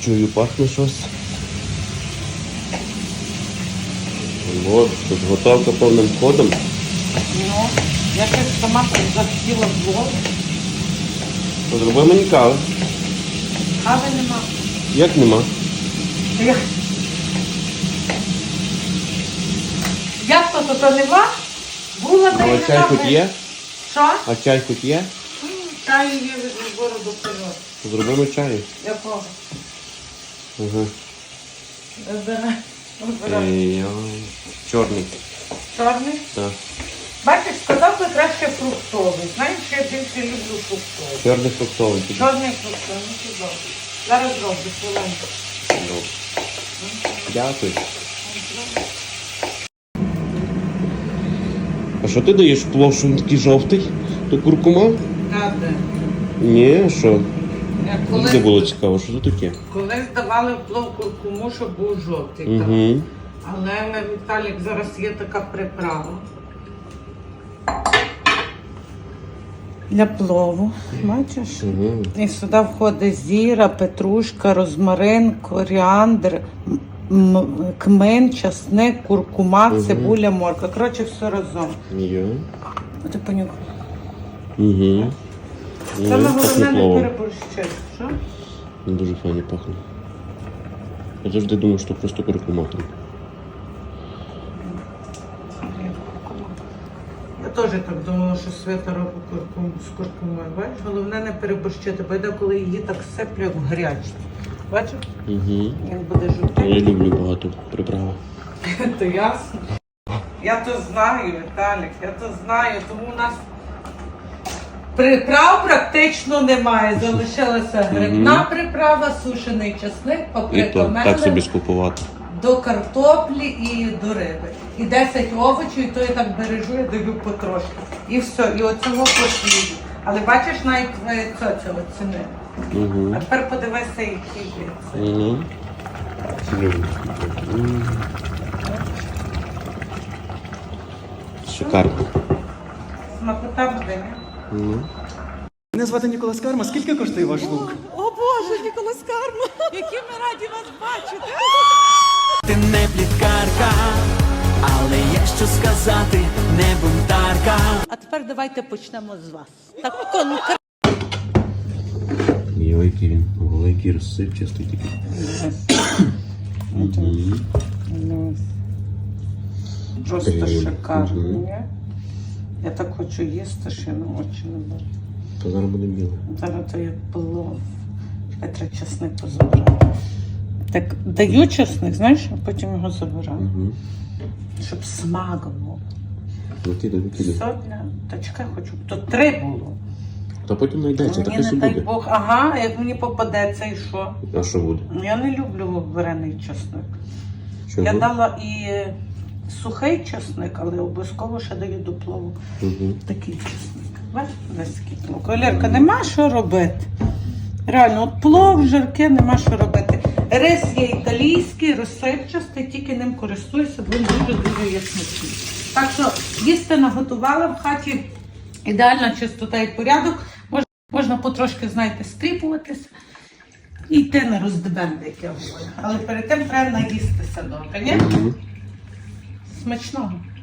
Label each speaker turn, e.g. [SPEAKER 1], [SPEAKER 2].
[SPEAKER 1] Чую, пахне щось. От, тут готовка повним ходом.
[SPEAKER 2] Ну, я щось сама захотіла в влог.
[SPEAKER 1] Зроби мені кави.
[SPEAKER 2] Кави нема.
[SPEAKER 1] Як нема?
[SPEAKER 2] Як то нема? Була та й
[SPEAKER 1] А чай
[SPEAKER 2] нема.
[SPEAKER 1] хоч є?
[SPEAKER 2] Що?
[SPEAKER 1] А чай хоч є?
[SPEAKER 2] Чаю є від збору до періоду.
[SPEAKER 1] Зробимо чаю.
[SPEAKER 2] Якого?
[SPEAKER 1] Ага.
[SPEAKER 2] Вибирай.
[SPEAKER 1] Чорний.
[SPEAKER 2] Чорний?
[SPEAKER 1] Так.
[SPEAKER 2] Бачиш, сказав би краще фруктовий. Знаєш, я більше люблю фруктовий.
[SPEAKER 1] Чорний фруктовий.
[SPEAKER 2] Чорний фруктовий, ну чудово. Зараз зроблю хвилинку.
[SPEAKER 1] Добре. Дякую. А що ти даєш в плов, що він такий жовтий? То куркума?
[SPEAKER 2] Так, де?
[SPEAKER 1] Ні, що?
[SPEAKER 2] Коли...
[SPEAKER 1] Де було цікаво, що це таке?
[SPEAKER 2] Колись давали в плов куркуму, щоб був жовтий. Так.
[SPEAKER 1] Угу.
[SPEAKER 2] Але Віталік, зараз є така приправа. Для плову, бачиш?
[SPEAKER 1] Угу.
[SPEAKER 2] І сюди входить зіра, петрушка, розмарин, коріандр, кмин, часник, куркума, цибуля, морква. Коротше, все разом.
[SPEAKER 1] Є.
[SPEAKER 2] А ти понюхай.
[SPEAKER 1] Угу.
[SPEAKER 2] Саме головне не переборщити. Що?
[SPEAKER 1] Дуже файно пахне. Я завжди думав, що просто куркума.
[SPEAKER 2] Я теж так думала, що Свята робить з куркумою. Бачиш? Головне не переборщити, бо йде, коли її так сиплю в гарячці. Бачиш?
[SPEAKER 1] Угу.
[SPEAKER 2] Він буде жовтий.
[SPEAKER 1] Я люблю багато приправ.
[SPEAKER 2] То ясно. Я то знаю, Віталік, я то знаю, тому у нас приправ практично немає. Залишилася грибна приправа, сушений часник,
[SPEAKER 1] І
[SPEAKER 2] паприка
[SPEAKER 1] то так собі
[SPEAKER 2] мелена,
[SPEAKER 1] скупувати.
[SPEAKER 2] до картоплі і до риби. І 10 овочів, і то я так бережу, я даю потрошки. І все, і оцього посліду. Але бачиш, навіть цього ціни.
[SPEAKER 1] Угу.
[SPEAKER 2] А тепер подивися, які є.
[SPEAKER 1] Угу. Шикарно.
[SPEAKER 2] Смакота буде, ні?
[SPEAKER 1] Угу.
[SPEAKER 3] Мене звати Ніколас Карма. Скільки коштує ваш лук?
[SPEAKER 4] О Боже, Ніколас Карма, які ми раді вас бачити.
[SPEAKER 5] Ти не пліткарка, але є що сказати, не бунтарка.
[SPEAKER 4] А тепер давайте почнемо з вас. Так конкретно.
[SPEAKER 1] Йойки він, великий розсипчастий такий.
[SPEAKER 2] Просто
[SPEAKER 1] Ей,
[SPEAKER 2] шикарно,
[SPEAKER 1] мгм.
[SPEAKER 2] ні? Я так хочу їсти, що я на очі не беру.
[SPEAKER 1] То зараз буде біле.
[SPEAKER 2] Зараз то як плов. Треба чесник позабирати. Так даю чесник, знаєш, а потім його забираю.
[SPEAKER 1] Угу.
[SPEAKER 2] Щоб смак був.
[SPEAKER 1] Викидай.
[SPEAKER 2] Сотня. Та чекай, хочу. То 3 було.
[SPEAKER 1] Та потім знайдеться,
[SPEAKER 2] Мені
[SPEAKER 1] таке
[SPEAKER 2] не
[SPEAKER 1] все
[SPEAKER 2] дай
[SPEAKER 1] буде.
[SPEAKER 2] Бог. Ага, як мені попадеться і що?
[SPEAKER 1] А що буде?
[SPEAKER 2] Я не люблю варений чесник.
[SPEAKER 1] Чого?
[SPEAKER 2] Я дала і сухий чесник, але обов'язково ще даю до плову.
[SPEAKER 1] Угу.
[SPEAKER 2] Такий чесник. Бачиш, десь такий плов. Колірка, нема що робити. Реально, от плов, жирки, нема що робити. Рис є італійський, розсипчастий, тільки ним користуюся, бо він дуже-дуже є смачний. Так що їсти наготувала в хаті, ідеальна чистота і порядок. Можна потрошки, знаєте, стріпуватися і йти на роздебенди, як я говорю. Але перед тим треба наїстися добре, ні? Смачного.